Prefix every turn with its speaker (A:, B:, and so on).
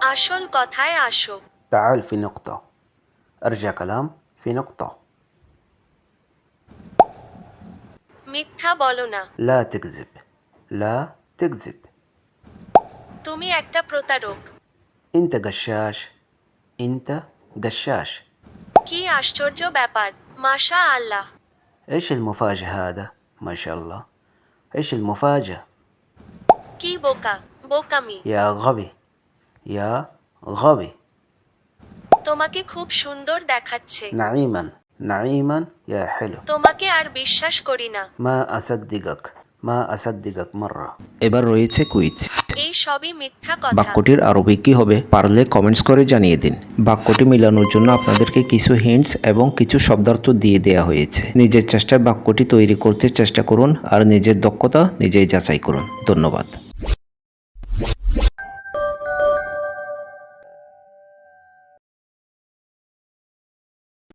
A: আসল কথায় আসো।
B: تعال في نقطة. أرجع كلام في نقطة.
A: মিথ্যা বলো না।
B: لا تكذب. لا تكذب.
A: তুমি একটা প্রতারক।
B: أنت غشاش. أنت غشاش.
A: কি আশ্চর্য ব্যাপার, মাশা আল্লাহ।
B: إيش المفاجأة هذا؟ ما شاء الله. إيش المفاجأة؟
A: কি বোকা, বোকামি।
B: يا غبي. يا غبي.
A: তোমাকে খুব সুন্দর দেখাচ্ছে।
B: نعيما. نعيما يا حلو.
A: তোমাকে আর বিশ্বাস করি না।
B: ما أصدقك. ما أصدقك مرة.
C: এবার রয়েছে কুইজ।
A: এই সবই মিথ্যা কথা।
C: বাক্যটির আরবি কি হবে পারলে কমেন্টস করে জানিয়ে দিন। বাক্যটি মেলানোর জন্য আপনাদেরকে কিছু হিন্টস এবং কিছু শব্দার্থ দিয়ে দেওয়া হয়েছে। নিজের চেষ্টায় বাক্যটি তৈরি করতে চেষ্টা করুন আর নিজের দক্ষতা নিজেই যাচাই করুন। ধন্যবাদ।